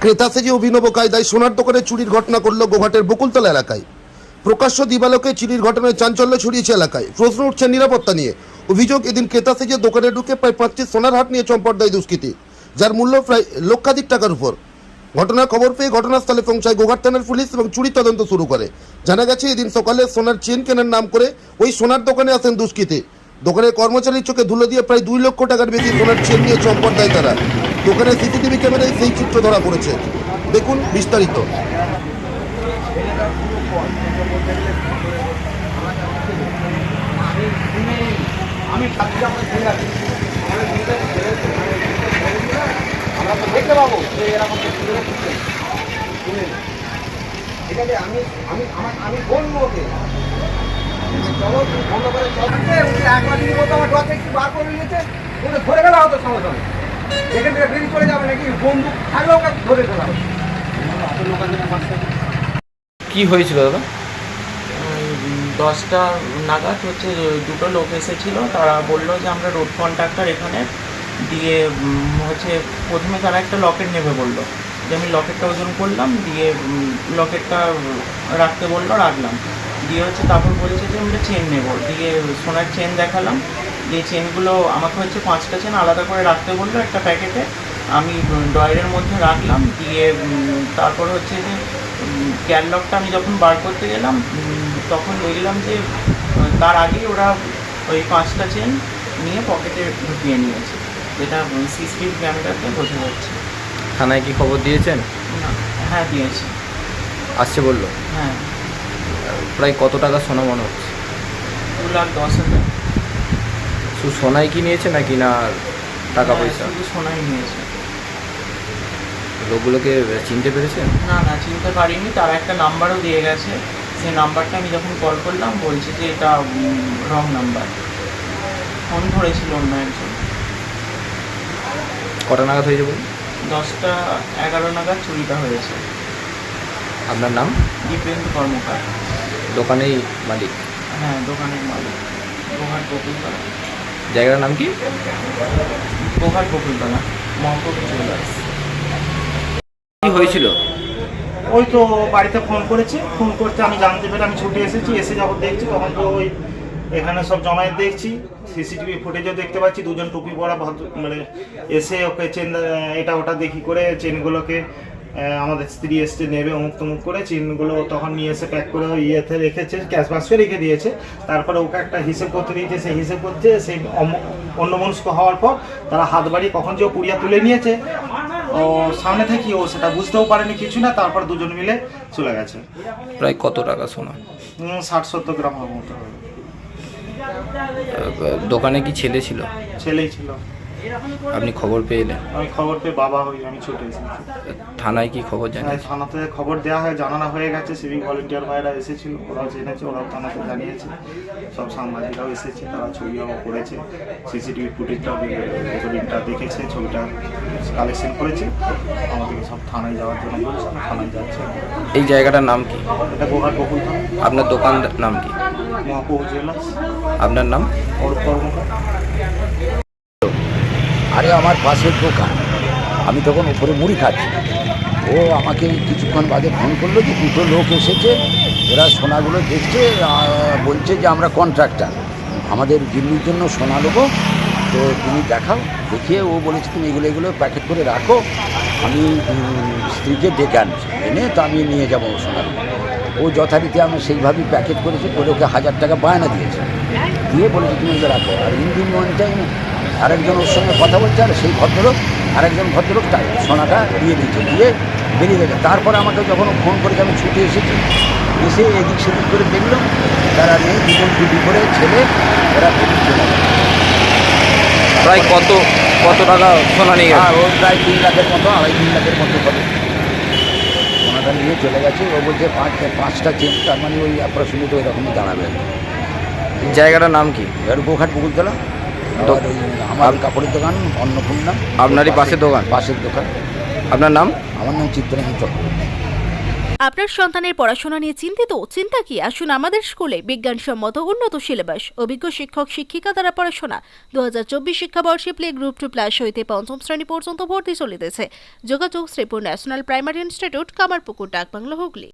ক্রেতা সেজে অভিনব কায়দায় সোনার দোকানে চুরির ঘটনা করল গোঘাটের বকুলতলা এলাকায়। প্রকাশ্য দিবালোকে চুরির ঘটনায় চাঞ্চল্য ছড়িয়েছে এলাকায়। প্রশ্ন উঠছে নিরাপত্তা নিয়ে। অভিযোগ, এদিন ক্রেতা সেজে দোকানে ঢুকে প্রায় 5টি সোনার হাট নিয়ে চম্পট দেয় দুষ্কৃতী, যার মূল্য প্রায় লক্ষাধিক টাকার উপর। ঘটনার খবর পেয়ে ঘটনাস্থলে পৌঁছায় গোঘাট থানার পুলিশ এবং চুরি তদন্ত শুরু করে। জানা গেছে, এদিন সকালে সোনার চেন কেনার নাম করে ওই সোনার দোকানে আসেন দুষ্কৃতী। দোকানের কর্মচারীর চোখে ধুলো দিয়ে প্রায় 2 লক্ষ টাকার বেশি সোনার চেন নিয়ে চম্পট দেয় তারা। দোকানের সিসিটিভি ক্যামেরায় সেই চিত্র ধরা পড়েছে। দেখুন বিস্তারিত। দেখতে পাবো এরকম আমি বলবো ওকে চলো বন্ধ করে একবার যদি বলতো আমার ডট একটু বার করে নিয়েছে ওটা ধরে গেলে হতো সঙ্গে সঙ্গে এখান থেকে বেরিয়ে চলে যাবে নাকি বন্দুক থাকলেও ওকে ধরে ফেলা হবে। কি হয়েছিল দাদা? 10টা নাগাদ হচ্ছে দুটো লোক এসেছিলো, তারা বললো যে আমরা রোড কন্ট্রাক্টর এখানে দিয়ে হচ্ছে প্রথমে তারা একটা লকেট নেবে বললো, যে আমি লকেটটা ওজন করলাম, দিয়ে লকেটটা রাখতে বললো, রাখলাম। দিয়ে হচ্ছে তারপর বলেছে যে আমরা চেন নেব, দিয়ে সোনার চেন দেখালাম, দিয়ে চেনগুলো আমাকে হচ্ছে 5টা চেন আলাদা করে রাখতে বললো একটা প্যাকেটে। আমি ড্রয়ারের মধ্যে রাখলাম, দিয়ে তারপর হচ্ছে যে ক্যাটলগটা আমি যখন বার করতে গেলাম তখন দেখলাম যে তার আগেই ওরা ওই 5টা চেন নিয়ে পকেটে ঢুকিয়ে নিয়েছে, যেটা সিসিটিভি ক্যামেরাতে বোঝা যাচ্ছে। থানায় কি খবর দিয়েছেন? না, হ্যাঁ দিয়েছি। আসছে বললো? হ্যাঁ। প্রায় কত টাকা সোনা মনে হচ্ছে? 2,10,000। শুধু সোনাই কি নিয়েছে নাকি না টাকা পয়সা? শুধু সোনাই নিয়েছে। লোকগুলোকে চিনতে পেরেছেন? না চিনতে পারিনি, তারা একটা নাম্বারও দিয়ে গেছে, সেই নাম্বারটা আমি যখন কল করলাম বলছে যে এটা রং নাম্বার। ফোন ধরেছিল অন্য একজন। কটা নাগাদ হয়েছে বলুন? 10টা 11 নাগাদ চুরিটা হয়েছে। আপনার নাম? দীপেন্দ্র কর্মকার। দোকানেই মালিক? হ্যাঁ, দোকানের মালিক। গোঘাট বকুলতলা। জায়গাটার নাম কি? গোঘাট বকুলতলা, মহকুমা জুয়েলার্স। কি হয়েছিল? ওই তো বাড়িতে ফোন করেছে, ফোন করতে আমি জানতে পেরে আমি ছুটে এসেছি। এসে যখন দেখছি তখন তো ওই এখানে সব জমায়েত দেখছি, সিসিটিভি ফুটেজও দেখতে পাচ্ছি। দুজন টুপি পরা ভদ্র মানে এসে ওকে চেন এটা ওটা দেখি করে চেনগুলোকে আমাদের স্ত্রী এসছে নেবে অমুক তমুক করে চেনগুলো তখন নিয়ে এসে প্যাক করে ইয়েতে রেখেছে, ক্যাশ বাক্সে রেখে দিয়েছে। তারপরে ওকে একটা হিসেব করতে দিয়েছে, সেই হিসেব করতে সেই অন্যমনস্ক হওয়ার পর তারা হাত বাড়িয়ে কখন যে ও পুড়িয়া তুলে নিয়েছে ও সামনে থেকে, ও সেটা বুঝতেও পারেনি কিছু না। তারপর দুজন মিলে চলে গেছে। প্রায় কত টাকা সোনা? 60-70 গ্রাম হবে মতো। দোকানে কি ছেলে ছিল? ছেলেই ছিল। আপনি খবর পেলেন? আমি খবর পেয়ে বাবা হই, আমি ছুটে এসেছি। থানায় কি খবর জানেন? থানাতে খবর দেওয়া হয়, জানানো হয়ে গেছে। সিভিক ভলেন্টিয়ার ভাইরা এসেছিল, ওরাও জেনেছে, ওরাও থানাতে জানিয়েছে। সব সাংবাদিকরাও এসেছে, তারা ছবিও করেছে, সিসিটিভি ফুটেজটাও রেকর্ডিংটা দেখেছে, ছবিটা কালেকশন করেছে। আমাদেরকে সব থানায় যাওয়ার জন্য বলছে, থানায় যাচ্ছে। এই জায়গাটার নাম কি? এটা গোঘাট বকুলতলা। আপনার দোকান নাম কি? মহকুমা জুয়েলার্স। আপনার নাম? অরূপ কর্মকার। আরে আমার পাশের দোকান, আমি তখন উপরে মুড়ি খাচ্ছি। ও আমাকে কিছুক্ষণ বাদে ফোন করলো যে দুটো লোক এসেছে, এরা সোনাগুলো দেখছে, বলছে যে আমরা কন্ট্রাক্টর, আমাদের দিল্লির জন্য সোনা নেবো, তো তুমি দেখাও। দেখিয়ে ও বলেছে তুমি এগুলো প্যাকেট করে রাখো, আমি স্ত্রীকে ডেকে আনছি, এনে তো আমি নিয়ে যাবো সোনাগুলো। ও যথারীতি আমি সেইভাবেই প্যাকেট করেছি, করে ওকে 1000 টাকা বায়না দিয়েছে, দিয়ে বলেছে তুমি এগুলো রাখো। আর ইন্ডিয়ান ওয়ান টাইম আরেকজন ওর সঙ্গে কথা বলছে, আর সেই ভদ্রলোক আরেকজন ভদ্রলোক তাই সোনাটা দিয়ে দিয়েছে, দিয়ে বেরিয়ে গেছে। তারপরে আমাকে যখন ফোন করেছে আমি ছুটে এসেছি, এসে এদিক সেদিক করে দেখলাম তারা নেই, দুজন টুপি করে ছেলে, ওরা বেরিয়ে চলে গেছে। প্রায় কত টাকা সোনা নিয়ে গেছে? আর ও প্রায় 3 লাখের মতো, 2.5-3 লাখের মতো হবে। সোনাটা নিয়ে চলে গেছে। ও বলছে 5টা চেন, তার মানে ওই অ্যাপ্রক্সিমেট ওই রকমই দাঁড়াবে। জায়গাটার নাম কি? এর গোঘাট বকুলতলা। আর ওই আমার কাপড়ের দোকান অন্নপূর্ণা। আপনারই পাশের দোকান? পাশের দোকান। আপনার নাম? আমার নাম চিত্রঞ্জিত। আপনার সন্তানের পড়াশোনা নিয়ে চিন্তিত? চিন্তা কি, আসুন আমাদের স্কুলে। বিজ্ঞানসম্মত উন্নত সিলেবাস, অভিজ্ঞ শিক্ষক শিক্ষিকা দ্বারা পড়াশোনা। 2024 শিক্ষাবর্ষে প্লে গ্রুপ 2+ হইতে পঞ্চম শ্রেণী পর্যন্ত ভর্তি চলিতেছে। যোগাযোগ Shripur national primary institute, Kamarpukur, Dakbungalow, Hooghly.